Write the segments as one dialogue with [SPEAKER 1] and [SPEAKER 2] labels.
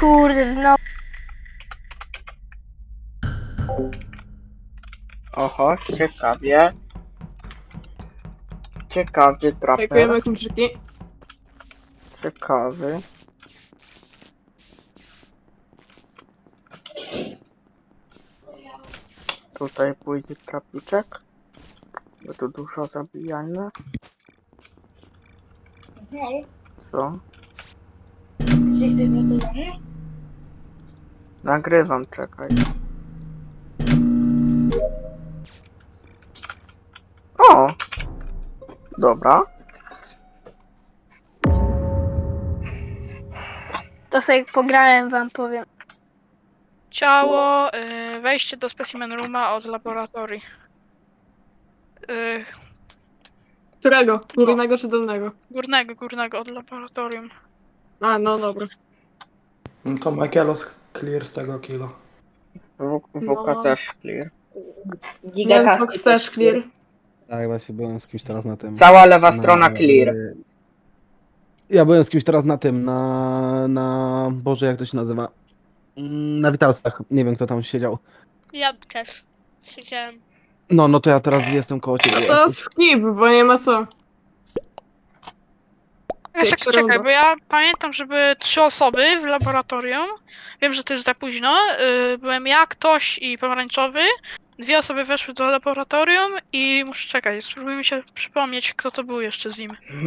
[SPEAKER 1] kurde, znowu.
[SPEAKER 2] Oho, ciekawie. Ciekawy traper.
[SPEAKER 3] Dziękujemy kluczyki.
[SPEAKER 2] Ciekawy. Tutaj pójdzie trapiczek. Bo tu dużo zabijania.
[SPEAKER 1] Hej,
[SPEAKER 2] Co?
[SPEAKER 1] jesteś przygotowany?
[SPEAKER 2] Nagrywam, czekaj. O! Dobra.
[SPEAKER 1] To sobie pograłem, wam powiem.
[SPEAKER 4] Ciało, wejście do specimen rooma od laboratorii.
[SPEAKER 3] Którego? Górnego czy dolnego?
[SPEAKER 4] Górnego od laboratorium.
[SPEAKER 3] A, no dobra.
[SPEAKER 5] No to Michaelos clear z tego killa.
[SPEAKER 2] WK
[SPEAKER 3] No.
[SPEAKER 2] też clear.
[SPEAKER 3] Nie, Fox też clear.
[SPEAKER 6] Tak, właśnie byłem z kimś teraz na tym.
[SPEAKER 2] Cała lewa strona clear.
[SPEAKER 6] Ja byłem z kimś teraz na tym, Boże, jak to się nazywa? Na witalcach. Nie wiem, kto tam siedział.
[SPEAKER 4] Ja też siedziałem.
[SPEAKER 6] No to ja teraz jestem koło ciebie.
[SPEAKER 3] To skip, bo nie ma co.
[SPEAKER 4] Jeszcze
[SPEAKER 3] Pierwsza
[SPEAKER 4] czekaj,
[SPEAKER 3] runda.
[SPEAKER 4] bo ja pamiętam, że były 3 osoby w laboratorium. Wiem, że to jest za późno. Byłem ja, ktoś i pomarańczowy. 2 osoby weszły do laboratorium i muszę czekać, spróbuj mi się przypomnieć, kto to był jeszcze z nim.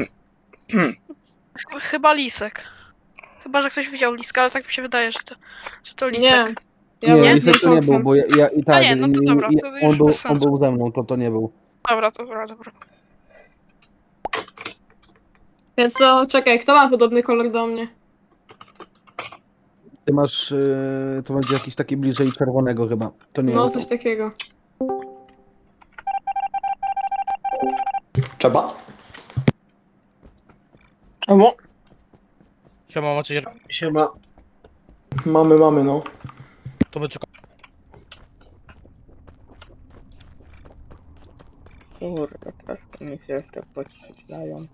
[SPEAKER 4] Chyba Lisek. Chyba, że ktoś widział Liska, ale tak mi się wydaje, że to Lisek.
[SPEAKER 3] Nie. Ja
[SPEAKER 6] Nie,
[SPEAKER 3] byłem z
[SPEAKER 6] Lisek to nie był,
[SPEAKER 3] Foxem.
[SPEAKER 6] bo ja i tak.
[SPEAKER 4] nie, no to dobra, to już
[SPEAKER 6] on, był,
[SPEAKER 4] bez
[SPEAKER 6] on
[SPEAKER 4] sensu.
[SPEAKER 6] był ze mną, to nie był.
[SPEAKER 4] Dobra.
[SPEAKER 3] Więc to czekaj, kto ma podobny kolor do mnie?
[SPEAKER 6] Ty masz, to będzie jakiś taki bliżej czerwonego chyba. To nie
[SPEAKER 3] No,
[SPEAKER 6] jest.
[SPEAKER 3] coś takiego.
[SPEAKER 5] Trzeba?
[SPEAKER 3] Czemu?
[SPEAKER 7] Siema, macie
[SPEAKER 5] Siema. Mamy, no.
[SPEAKER 7] to my czekamy.
[SPEAKER 2] Kurde, teraz mi się jeszcze podświetlają.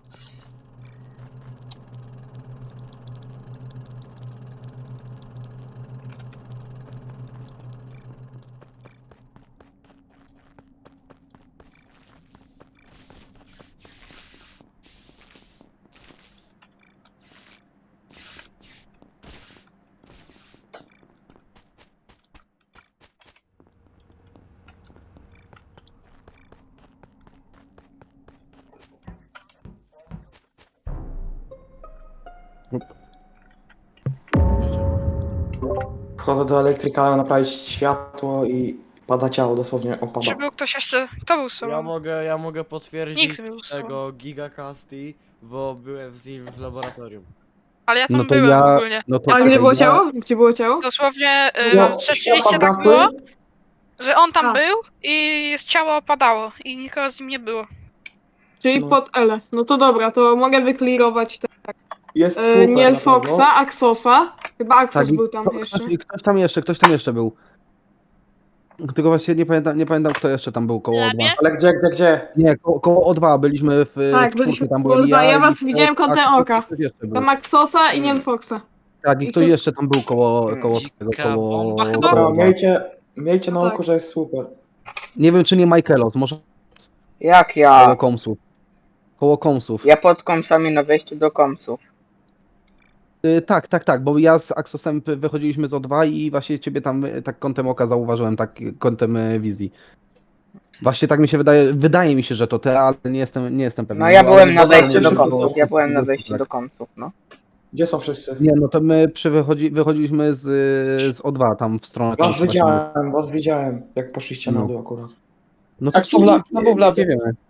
[SPEAKER 5] Wchodzę do elektryka, naprawić światło i pada ciało, dosłownie
[SPEAKER 4] Czy
[SPEAKER 5] opada.
[SPEAKER 4] był ktoś jeszcze? Kto był z sobą?
[SPEAKER 8] Ja mogę potwierdzić
[SPEAKER 4] Nikt był z sobą.
[SPEAKER 8] tego Gigacasti, bo byłem z nim w laboratorium.
[SPEAKER 4] Ale ja tam
[SPEAKER 6] No to
[SPEAKER 4] byłem
[SPEAKER 6] ja.
[SPEAKER 4] ogólnie.
[SPEAKER 6] No to
[SPEAKER 3] A
[SPEAKER 6] czekaj,
[SPEAKER 3] gdzie było
[SPEAKER 6] ja-
[SPEAKER 3] ciało? Gdzie było ciało?
[SPEAKER 4] Dosłownie
[SPEAKER 5] No,
[SPEAKER 4] rzeczywiście
[SPEAKER 5] światła
[SPEAKER 4] tak
[SPEAKER 5] zgasły.
[SPEAKER 4] było, że on tam
[SPEAKER 3] A.
[SPEAKER 4] był i ciało opadało i nikogo z nim nie było.
[SPEAKER 3] Czyli
[SPEAKER 5] No.
[SPEAKER 3] pod L. No to dobra, to mogę wyklirować te,
[SPEAKER 5] Jest super
[SPEAKER 3] Niel
[SPEAKER 5] na pewno.
[SPEAKER 3] Foxa, Axosa. Chyba Axos
[SPEAKER 6] Tak, i
[SPEAKER 3] był tam jeszcze.
[SPEAKER 6] ktoś tam jeszcze był. Tylko właśnie nie pamiętam kto jeszcze tam był koło O2.
[SPEAKER 5] Ale gdzie?
[SPEAKER 6] Nie, koło O2 byliśmy w
[SPEAKER 3] Tak,
[SPEAKER 6] czwórce,
[SPEAKER 3] byliśmy
[SPEAKER 6] tam
[SPEAKER 3] w
[SPEAKER 6] byłem
[SPEAKER 3] O2, ja
[SPEAKER 6] i
[SPEAKER 3] was
[SPEAKER 6] ktoś-
[SPEAKER 3] widziałem kątem
[SPEAKER 6] tak,
[SPEAKER 3] oka.
[SPEAKER 6] ktoś jeszcze był.
[SPEAKER 3] Tam Axosa i Niel Foxa.
[SPEAKER 6] Tak, i
[SPEAKER 3] i
[SPEAKER 6] ktoś
[SPEAKER 3] tu-
[SPEAKER 6] jeszcze tam był koło tego,
[SPEAKER 7] Dzika
[SPEAKER 6] koło
[SPEAKER 7] bomba chyba?
[SPEAKER 5] Dobra,
[SPEAKER 6] O2.
[SPEAKER 5] miejcie na
[SPEAKER 3] Tak.
[SPEAKER 5] oku, że jest super.
[SPEAKER 6] Nie wiem czy nie Michaelos, może
[SPEAKER 2] Jak
[SPEAKER 6] koło
[SPEAKER 2] ja?
[SPEAKER 6] komsów. Koło komsów.
[SPEAKER 2] Ja pod komsami na wejściu do komsów.
[SPEAKER 6] Tak, bo ja z Axosem wychodziliśmy z O2 i właśnie ciebie tam tak kątem oka zauważyłem, tak kątem wizji. Właśnie tak mi się wydaje mi się, że to ty, ale nie jestem pewien.
[SPEAKER 2] No ja
[SPEAKER 6] Ale
[SPEAKER 2] byłem na
[SPEAKER 6] dobra,
[SPEAKER 2] wejściu do
[SPEAKER 5] wszyscy
[SPEAKER 2] komsów.
[SPEAKER 5] są-
[SPEAKER 2] Ja byłem na wejściu
[SPEAKER 6] tak.
[SPEAKER 2] do komsów, no.
[SPEAKER 5] Gdzie są wszyscy?
[SPEAKER 6] Nie, no to my wychodziliśmy z O2 tam w stronę
[SPEAKER 5] Was
[SPEAKER 6] komsów.
[SPEAKER 5] widziałem, jak poszliście
[SPEAKER 6] No.
[SPEAKER 5] na dół akurat.
[SPEAKER 6] No
[SPEAKER 3] Tak, są w labie.
[SPEAKER 6] nie wiemy.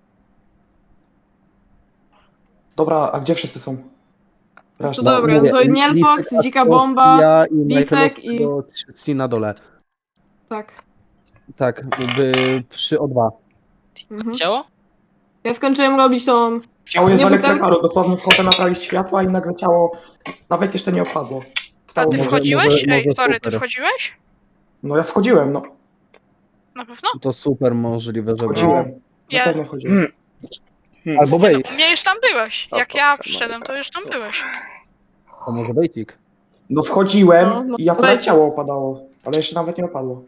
[SPEAKER 5] Dobra, a gdzie wszyscy są?
[SPEAKER 3] To
[SPEAKER 5] Reszta.
[SPEAKER 3] dobra,
[SPEAKER 6] Mówię,
[SPEAKER 3] to Niel
[SPEAKER 6] Lisek,
[SPEAKER 3] Fox, Dzika
[SPEAKER 6] Axos,
[SPEAKER 3] Bomba.
[SPEAKER 6] ja i
[SPEAKER 3] Lisek
[SPEAKER 6] Michaelos
[SPEAKER 3] i-
[SPEAKER 6] tego trzeci na dole.
[SPEAKER 3] Tak.
[SPEAKER 6] Tak, przy O2.
[SPEAKER 3] Mhm.
[SPEAKER 7] Ciało?
[SPEAKER 3] Ja skończyłem robić tą...
[SPEAKER 5] Ciało jest
[SPEAKER 3] Nie,
[SPEAKER 5] w
[SPEAKER 3] bo tam-
[SPEAKER 5] elektrykalu, dosłownie wchodzę naprawić światła i nagle ciało nawet jeszcze nie opadło.
[SPEAKER 4] A
[SPEAKER 5] Stało
[SPEAKER 4] ty
[SPEAKER 5] może-
[SPEAKER 4] wchodziłeś? Ej,
[SPEAKER 6] może
[SPEAKER 4] sorry, ty
[SPEAKER 6] super.
[SPEAKER 4] wchodziłeś?
[SPEAKER 5] No ja wchodziłem, no.
[SPEAKER 4] Na pewno?
[SPEAKER 6] To super możliwe, że było.
[SPEAKER 5] Wchodziłem. Na
[SPEAKER 4] Ja-
[SPEAKER 5] pewno wchodziłem.
[SPEAKER 6] Albo
[SPEAKER 4] No,
[SPEAKER 6] Bejt,
[SPEAKER 4] u mnie już tam byłeś.
[SPEAKER 2] O,
[SPEAKER 4] Jak ja
[SPEAKER 2] proszę,
[SPEAKER 4] przyszedłem, to
[SPEAKER 2] Majka.
[SPEAKER 4] już tam byłeś.
[SPEAKER 6] to może Bejtik.
[SPEAKER 5] No wchodziłem
[SPEAKER 3] No,
[SPEAKER 5] i akurat
[SPEAKER 3] leci.
[SPEAKER 5] ciało opadało, ale jeszcze nawet nie opadło.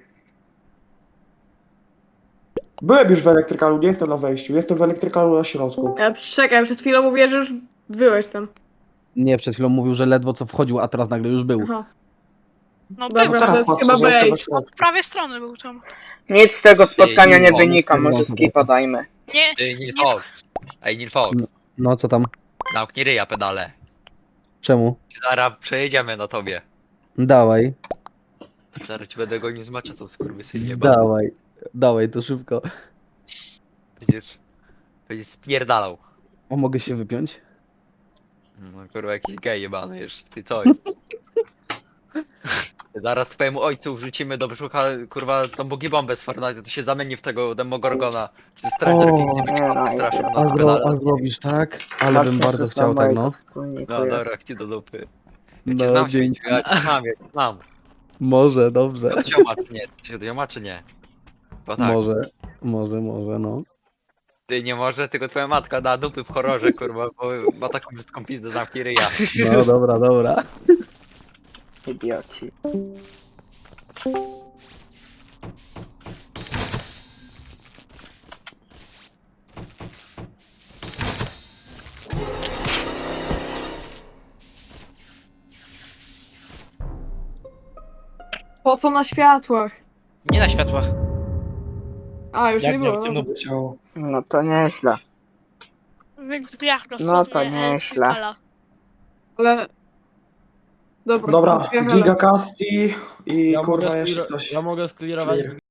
[SPEAKER 5] Byłem już w elektrykalu, nie jestem na wejściu, jestem w elektrykalu na środku.
[SPEAKER 3] Czekaj, przed chwilą mówię, że już byłeś tam.
[SPEAKER 6] Nie, przed chwilą mówił, że ledwo co wchodził, a teraz nagle już był.
[SPEAKER 3] Aha.
[SPEAKER 4] No
[SPEAKER 3] Dobra,
[SPEAKER 4] był
[SPEAKER 3] to
[SPEAKER 4] tam.
[SPEAKER 3] jest
[SPEAKER 5] patrzę,
[SPEAKER 3] chyba
[SPEAKER 5] że jestem na
[SPEAKER 3] bait.
[SPEAKER 5] środku.
[SPEAKER 4] Od prawej strony był tam.
[SPEAKER 2] Nic z tego spotkania nie
[SPEAKER 8] no,
[SPEAKER 2] wynika,
[SPEAKER 6] no,
[SPEAKER 2] może
[SPEAKER 6] no,
[SPEAKER 2] skipa dajmy.
[SPEAKER 4] Nie,
[SPEAKER 8] Ty, Nil
[SPEAKER 4] nie-
[SPEAKER 8] Fox. Ej, Nil Fox.
[SPEAKER 6] No co tam?
[SPEAKER 8] Zamknij ryja pedale.
[SPEAKER 6] Czemu?
[SPEAKER 8] Zaraz przejedziemy na tobie.
[SPEAKER 6] Dawaj,
[SPEAKER 8] Zaraz ci będę gonił z maczetą, skurwysynie.
[SPEAKER 6] dawaj, to szybko.
[SPEAKER 8] Będziesz spierdalał.
[SPEAKER 6] O, mogę się wypiąć?
[SPEAKER 8] No kurwa, jakiś gej jebany jeszcze, ty co? Zaraz twojemu ojcu wrzucimy do brzucha, kurwa, tą bogiebombę z Fortnite, to się zamieni w tego Demogorgona. Czy Stranger
[SPEAKER 6] O,
[SPEAKER 8] Things i będzie
[SPEAKER 2] nie, no,
[SPEAKER 8] straszył
[SPEAKER 2] a
[SPEAKER 8] nas pedale.
[SPEAKER 6] A zrobisz tak? Ale
[SPEAKER 2] Właśnie
[SPEAKER 6] bym bardzo
[SPEAKER 2] coś
[SPEAKER 6] chciał
[SPEAKER 2] tam
[SPEAKER 6] tak,
[SPEAKER 2] mojego
[SPEAKER 6] no.
[SPEAKER 2] wspólniku
[SPEAKER 8] No dobra,
[SPEAKER 2] jest.
[SPEAKER 8] ci do dupy. Ja cię
[SPEAKER 6] No,
[SPEAKER 8] znam,
[SPEAKER 6] dzięki.
[SPEAKER 8] Świeciu, ja cię znam.
[SPEAKER 6] Może, dobrze.
[SPEAKER 8] To się ma czy nie? To się ma czy nie? Bo tak,
[SPEAKER 6] Może, no.
[SPEAKER 8] ty nie może, tylko twoja matka da dupy w horrorze, kurwa, bo ma taką brzydką pizdę, zamknij ryja.
[SPEAKER 6] No, dobra.
[SPEAKER 2] Idioci.
[SPEAKER 3] Po co na światłach?
[SPEAKER 7] Nie na światłach.
[SPEAKER 3] A, już
[SPEAKER 7] Jak
[SPEAKER 3] nie
[SPEAKER 7] nie
[SPEAKER 3] było.
[SPEAKER 7] w tym, no bo
[SPEAKER 5] Ciało.
[SPEAKER 2] No to nieźle.
[SPEAKER 4] Więc drzwiach
[SPEAKER 2] No to
[SPEAKER 4] dosłownie,
[SPEAKER 2] nieźle.
[SPEAKER 4] Elfitala.
[SPEAKER 3] Ale... Dobra,
[SPEAKER 5] Dobra,
[SPEAKER 3] otwieram.
[SPEAKER 5] Giga Casti i
[SPEAKER 7] ja
[SPEAKER 5] kurwa
[SPEAKER 7] mogę,
[SPEAKER 5] jeszcze ktoś.
[SPEAKER 7] ja mogę sklirować
[SPEAKER 5] Clear.